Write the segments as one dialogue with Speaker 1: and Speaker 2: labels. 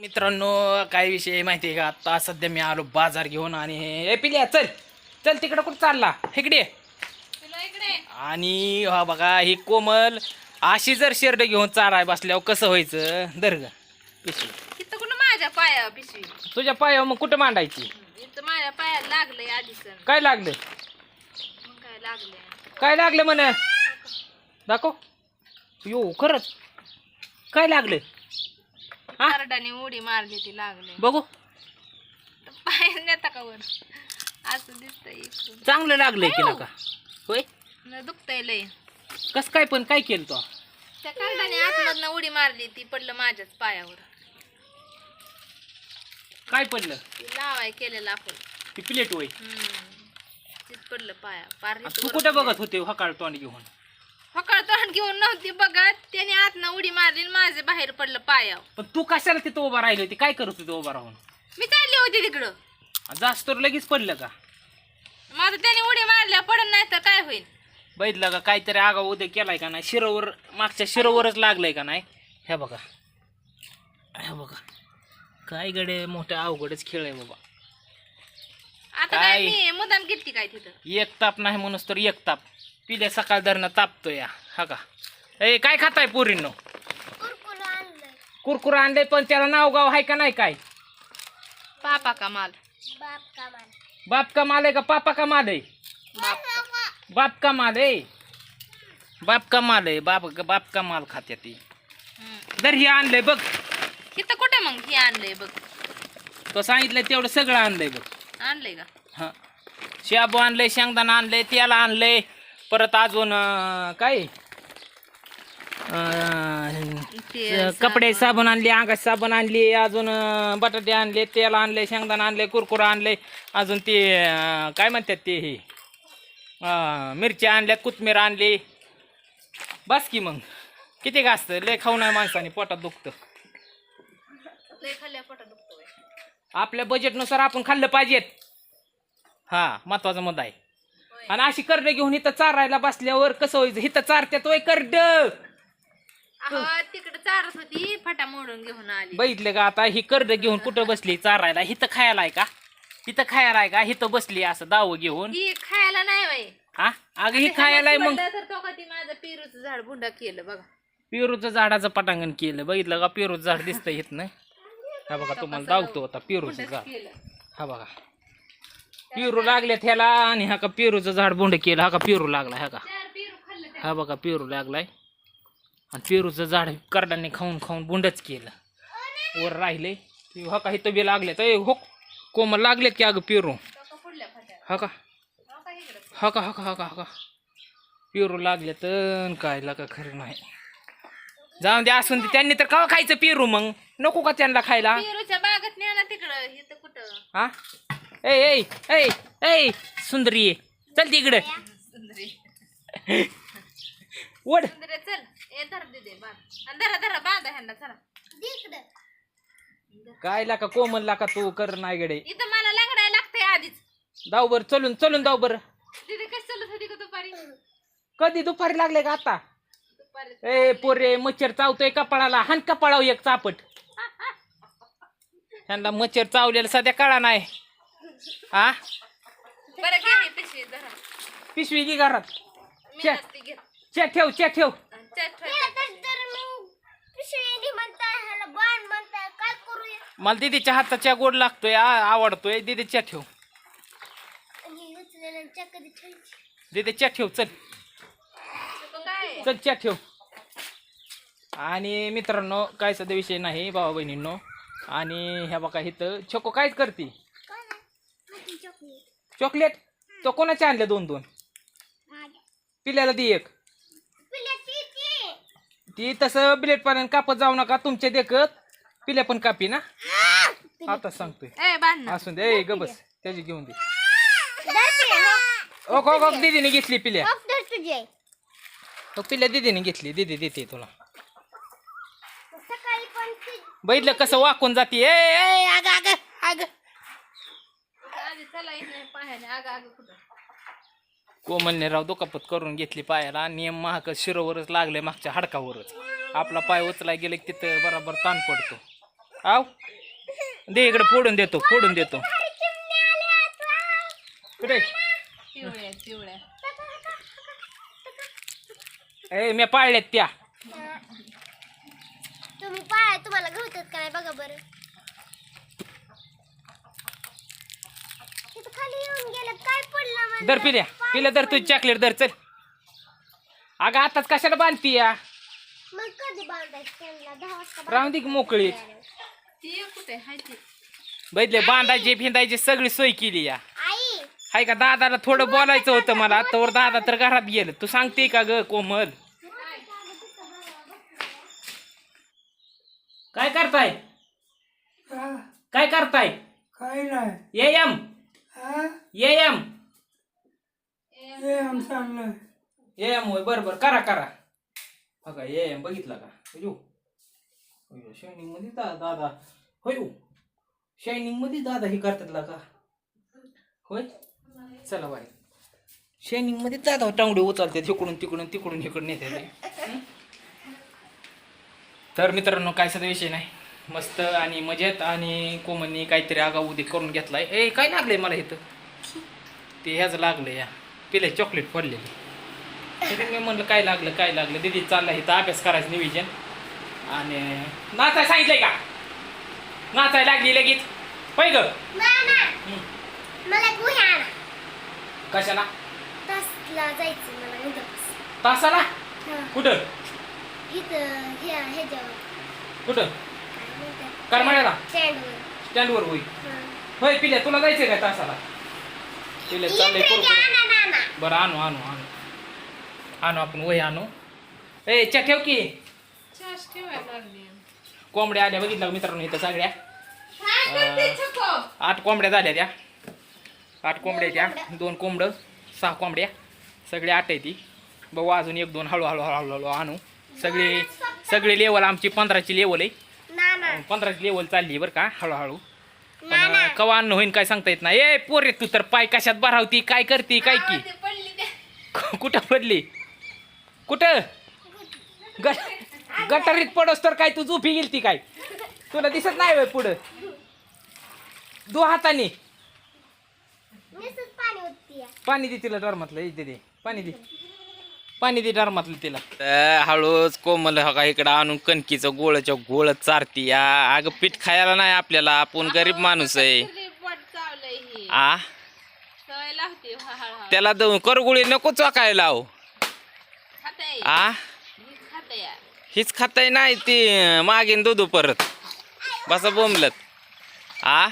Speaker 1: मित्रांनो काय विषय माहिती आहे का? आता सध्या मी आलो बाजार घेऊन आणि हे पिल्या चल चल तिकडं कुठं चालला इकडे. आणि हा बघा ही कोमल अशी जर शेरड घेऊन चाराय बसल्यावर कसं व्हायचं? दर्ग पिशवी
Speaker 2: इथं कुठं माझ्या पाया पिशवी
Speaker 1: तुझ्या पायावर मग कुठं मांडायची?
Speaker 2: इथं माझ्या पायाला लागलंय आधीच.
Speaker 1: काय लागलं?
Speaker 2: मग काय लागलंय?
Speaker 1: काय लागलं म्हण दाखव. यो खरंच काय लागलं?
Speaker 2: करडाने उडी मारली ती लागले
Speaker 1: बघू
Speaker 2: पाय नेता का वर असं दिसतंय इकडून.
Speaker 1: चांगलं लागलंय केला का? होय
Speaker 2: दुखतंय लय.
Speaker 1: कस काय पण काय केलं तो?
Speaker 2: त्या करडाने आतमधनं उडी मारली ती पडलं माझ्याच पायावर.
Speaker 1: काय पडलं?
Speaker 2: ती लावाय केलेलं आपण
Speaker 1: ती प्लेट होय.
Speaker 2: तीच पडलं पाया पार.
Speaker 1: तू कुठे बघत होते हकाळ तोंड घेऊन?
Speaker 2: फकड तोंड घेऊन नव्हती बघत, त्याने आतनं उडी मारली आणि माझे बाहेर पडलं पायावर.
Speaker 1: पण तू कशाला तिथं उभा राहिली होती? काय करत होती उभा राहून?
Speaker 2: मी चालली होती तिकडं.
Speaker 1: जास्त तर लगेच पडलं का?
Speaker 2: माझं त्याने उडी मारल्या पडत नाही तर काय होईल?
Speaker 1: बघितलं का काहीतरी आगाव उद्या केलाय का नाही? शिरोवर मागच्या शिरोवरच लागलंय का नाही? हे बघा हे बघा काय गडे मोठ्या अवघडच खेळ आहे बाबा.
Speaker 2: आता काय मी मुदाम घेतली काय तिथं?
Speaker 1: एक ताप नाही म्हणूस तर एक ताप पिल्या सकाळ धरणं तापतो या. हा का ए काय खाताय पोरींनो? कुरकुर आणलंय पण त्याला नाव गाव आहे का नाही? काय
Speaker 2: पापा का माल?
Speaker 1: बाप का माल आहे का पापा का माल आहे? बाप का माल आहे. बाप का माल आहे. बाप का माल खात्या ती. जर हे आणलंय बघ.
Speaker 2: इथं कुठे मग हे आणलंय बघ?
Speaker 1: तो सांगितलंय तेवढं सगळं आणलंय बघ.
Speaker 2: आणलंय का?
Speaker 1: हा शाबू आणलंय, शेंगदाणा आणलंय, तेल आणलंय, परत अजून काय कपडे साबण आणले, अंगात साबण आणली, अजून बटाटे आणले, तेल आणले, शेंगदाणा आणले, कुरकुरा आणले, अजून ते काय म्हणतात ते हे मिरच्या आणल्यात, कोथमीर आणली. बस की मग किती घासतं? लय खाऊ नाही माणसाने पोटात दुखतं.
Speaker 2: लय खाल्ल्या पोटात दुखतोय.
Speaker 1: आपल्या बजेटनुसार आपण खाल्लं पाहिजेत. हा महत्वाचा मुद्दा आहे. आणि अशी करड घेऊन इथं चारायला बसल्यावर कसं व्हायचं? इथं चारत्यात वय करड.
Speaker 2: तिकडे चारत होती फटा मोडून घेऊन आली.
Speaker 1: बघितलं का आता ही करड घेऊन कुठं बसली चारायला? इथं खायला आहे का? इथं खायला आहे का? इथं बसली असं दाव घेऊन.
Speaker 2: ही खायला नाही वय.
Speaker 1: हा अगं ही खायला आहे मग.
Speaker 2: तर तो कधी माझं पेरूचं झाड बुंडा केलं बघा.
Speaker 1: पेरूचं झाडाचं पटांगण केलं. बघितलं का पेरूचं झाड दिसतंय इथनं? हा बघा तुम्हाला दावतो आता पेरूचं झाड. हा बघा पेरू लागले त्याला आणि हा का पेरूचं झाड बोंड केलं. हा का पेरू लागलाय. हा का हा बघा पेरू लागलाय आणि पेरूचं झाड करडाने खाऊन खाऊन बुंडच केलं. वर राहिले हा का इथं बी लागलेत. हो कोमल लागलेत की अगं पेरू. हा का हा का हा का हा का हा का पेरू लागले तर काय लागा खरं नाही. जाऊन दे असून दे. त्यांनी तर का खायचं पेरू? मग नको का त्यांना खायला?
Speaker 2: पेरूच्या बागेत न्या ना तिकडं. इथं कुठं?
Speaker 1: हा ए ए ए ए सुंदरी ये चल तिकडे वड.
Speaker 2: सुंदरे चल. ए धर दे बांध. धरा धरा बांधा ह्यांना चला.
Speaker 1: काय लाका कोमल लाका तू कर नाही गडे.
Speaker 2: इथं मला लंगडायला लागतंय आधीच.
Speaker 1: दाव बर चलून चलून दाव बर.
Speaker 2: तिथे कशी चालत होती का दुपारी?
Speaker 1: कधी दुपारी लागले का आता?
Speaker 2: दुपारी
Speaker 1: ए पोरे मच्छर चावतोय कपाळाला. हान कपाळाव एक चापट. त्यांना मच्छर चावलेला सध्या कळा नाही. हा
Speaker 2: बरं घे ही पिशवी धरा.
Speaker 1: पिशवी घे घरात.
Speaker 2: मी नसती घेत.
Speaker 1: चे ठेव चे ठेव. मला दीदीच्या हाताच्या गोड लागतोय आवडतोय. दीदीच्या ठेव. दीदीच्या ठेव चल
Speaker 2: काय
Speaker 1: चल च्या ठेव. आणि मित्रांनो काय सध्या विषय नाही भावा बहिणींनो. आणि ह्या बघा इथं छोको काय करते? चॉकलेट. तो कोणाचे आणले? दोन दोन. पिल्याला दे एक. ती तसं बिलेट पाण्याने कापत जाऊ नका तुमच्या देखत. पिल्या पण कापी ना आता सांगतोय.
Speaker 2: ए बांध ना.
Speaker 1: असून दे. ए ग बस त्याची घेऊन दे. ओक ओक ओक दीदीने घेतली पिल्या. पिल्या दीदीने घेतली. दीदी देते तुला. बघितलं कसं वाकून जाते. ए आग आग आग.
Speaker 2: आधी चला इथे पायाने आग आग कुठं?
Speaker 1: कोमलने राव दुखापत करून घेतली पायाला. नियम महाग शिरोवरच लागले मागच्या हाडकावरच. आपला पाय उचलाय गेले की तिथं बराबर ताण पडतो. आव दे इकडे फोडून देतो कुठे
Speaker 2: पिवळ्या पिवळ्या
Speaker 1: ए मी पाळल्यात त्या
Speaker 3: तुम्ही पाय तुम्हाला गवतात काय बघा बरं तिथं खाली येऊन गेलं काय पडलं मला
Speaker 1: दर पिल्या दर तुझी चॉकलेट दर चल अगं आताच कशाला बांधती या
Speaker 3: मग कधी बांधायचं त्यांना 10 वाजता
Speaker 1: राहून दे की मोकळी
Speaker 2: ती कुठे हाय ती
Speaker 1: बैठले बांधायची फिंदायची सगळी सोय केली या
Speaker 3: आई
Speaker 1: हाय का दादाला थोडं बोलायचं होतं मला तर दादा तर घरात गेलं तू सांगते का ग कोमल काय करताय
Speaker 4: काय नाही
Speaker 1: ये एम
Speaker 4: हे आमचं
Speaker 1: ये एम होय बरं करा बघा ये एम बघितला का शायनिंग मध्ये दादा होय शायनिंग मध्ये दादा हे करतात का होय चला बाय शायनिंग मध्ये दादा टांगडे उचलते तिकडून इकडून नेते तर मित्रांनो काय सध्या विषय नाही मस्त आणि मजेत आणि कोमलनी काहीतरी आगाऊ उदी करून घेतलाय ए काय लागलंय मला इथं ते ह्याच लागलं या पिले चॉकलेट पडलेली तरी मी म्हणलं काय लागलं दीदी चाललं इथं अभ्यास करायचं नियोजन आणि नाचाय सांगितलंय का नाचाय लागली लगेच होय ग
Speaker 3: मला गुह्या आणा
Speaker 1: कशाला
Speaker 3: तासला जायचं मला उद्या
Speaker 1: तासाला कुठं
Speaker 3: इथं ह्याच्यावर
Speaker 1: कुठं
Speaker 3: काय म्हणतात
Speaker 1: करमाळ्याला
Speaker 3: स्टँडवर
Speaker 1: स्टँडवर होई होय पिल्या तुला जायचंय काय तासाला पिल्या चाललंय करू बरं आणू आपण वही आणू ए च्या ठेव की
Speaker 2: छास ठेवायला लागली
Speaker 1: कोंबड्या आल्या बघितलं का मित्रांनो इथं सगळ्या
Speaker 2: काय करते छको
Speaker 1: 8 कोंबड्या झाल्या त्या 8 कोंबड्या त्या 2 कोंबडं 6 कोंबड्या सगळे 8 आहे ती बघू अजून 1-2 हळू आणू सगळी लेवल आमची 15ची लेवल आहे 15ची लेवल चालली बरं का हळूहळू पण कवा अन्न होईन काय सांगता येत नाही ए पोरे तू तर पाय कशात भरावती काय करते काय की
Speaker 2: ते पडली ते
Speaker 1: कुठं पडली कुठं गटारीत पडोस तर काय तू झोपी गेलती काय तुला दिसत नाही होय पुढं 2 हाताने
Speaker 3: नुसतंच पाणी होती
Speaker 1: पाणी दे तिला डरमातलं दे पाणी दे डरमातलं तिला हळूच कोमल का इकडं आणून कणकीचं गोळ चारती या अगं पीठ खायला नाही आपल्याला आपण गरीब माणूस आहे
Speaker 2: पोट चावलंय ही
Speaker 1: आ
Speaker 2: सवय लागते हळूहळू
Speaker 1: त्याला करगुळी नको चोकायला लाव
Speaker 2: खाताय
Speaker 1: आ
Speaker 2: खाताय
Speaker 1: हीच खाताय नाही ती मागेन दूध परत बसा बोंबलत आ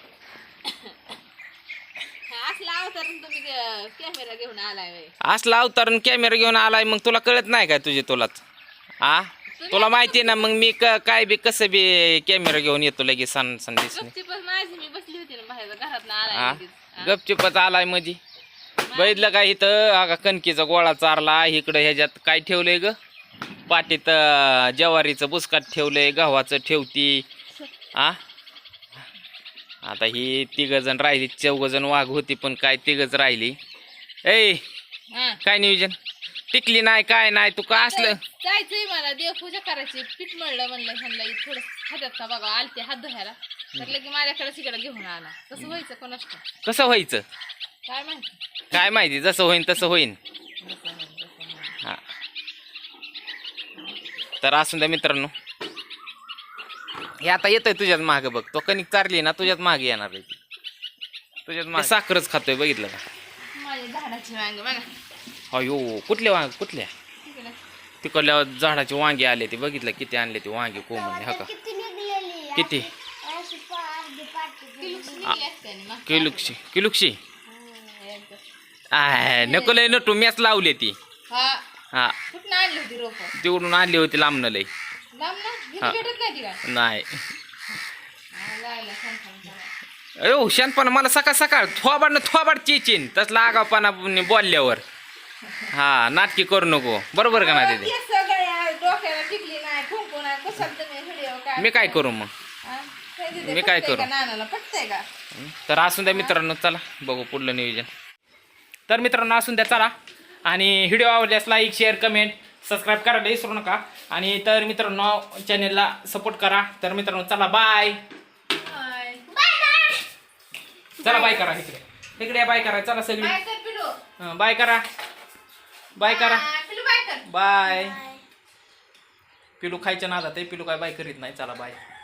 Speaker 2: असला अवतारून तुम्ही कॅमेरा घेऊन आलाय व्हय.
Speaker 1: असला अवतारून कॅमेरा घेऊन आलाय मग तुला कळत नाही काय तुलाच आ तुला माहिती ना मग मी काय बी कसं बी कॅमेरा घेऊन येतो लगेच सण दिसणे
Speaker 2: गपचूपच माझी मी बसली होती ना बाहेर घरात
Speaker 1: हा
Speaker 2: आलाय
Speaker 1: गपचिपच आलाय मधी बघितलं का इथं अगा कणकीचा गोळा चारला इकडं ह्याच्यात काय ठेवलंय ग पाटीत ज्वारीचं बुसकाट ठेवलंय गव्हाचं ठेवती आ आता ही 3 जण राहिली 4 जण वाघ होती पण काय 3च राहिली ए काय नियोजन टिकली नाही काय नाही तू का असलं
Speaker 2: जायचंय मला देवपूजा करायची पीठ मळलं म्हणलं ह्यांना थोडं हातात का बघा आलते हात धुवायला तर लगे माझ्याकडे तिकडे घेऊन आला कसं व्हायचं कोणाच
Speaker 1: कसं व्हायचं
Speaker 2: काय माहिती
Speaker 1: काय माहिती जसं होईन तसं होईन हा तर असून द्या मित्रांनो हे आता येतंय तुझ्याच मागे बघ तो कणिक चारली ना तुझ्याच मागे येणार आहे तुझ्याच मागे साखरच खातोय बघितलं का
Speaker 2: माझ्या झाडाची वांग बघा
Speaker 1: अयो कुठल्या
Speaker 2: तिकडे
Speaker 1: तिकडल्या झाडाचे वांगे आले ते बघितलं किती आणले ते वांगे कोंबडे हा का
Speaker 3: किती निघलेली
Speaker 1: किती
Speaker 3: अशी अर्धी पाटी
Speaker 2: निघली असते ना मग.
Speaker 1: किलुक्षी
Speaker 2: एकदा.
Speaker 1: आय नको लय नटू मॅच लावली ती
Speaker 2: हा
Speaker 1: हा
Speaker 2: कुठं आणली होती रोप
Speaker 1: तिकडून आणली होती लांबनं लय
Speaker 2: लांब ना
Speaker 1: हा.
Speaker 2: भेटत नाही ती काय
Speaker 1: नाही
Speaker 2: लायला सांगतो
Speaker 1: अयो शांतपणा मला सकाळ थोबाड चेचीन तसला आगावपणा बोलल्यावर हा नाटकी करू नको बरोबर का ना तिथे
Speaker 2: सगळ्या डोक्याला टिकली नाही कुंकू नाही कशाला तुम्ही व्हिडिओ काय
Speaker 1: मी काय करू मग मी काय करू?
Speaker 2: नानाला पटतंय का
Speaker 1: तर असून द्या मित्रांनो चला बघू पुढलं नियोजन तर मित्रांनो असून द्या चला आणि व्हिडिओ आवडल्यास लाईक शेअर कमेंट सबस्क्राईब करायला विसरू नका. आणि तर मित्रांनो चॅनेलला सपोर्ट करा. तर मित्रांनो चला बाय.
Speaker 2: बाय
Speaker 1: चला बाय करा. इकडे बाय करा. चला सगळी
Speaker 2: बाय कर पिलू.
Speaker 1: बाय करा. बाय करा.
Speaker 2: पिलू बाय कर.
Speaker 1: बाय. पिलू खायच्या नादात आहे. पिलू काय बाय करीत नाही. चला बाय.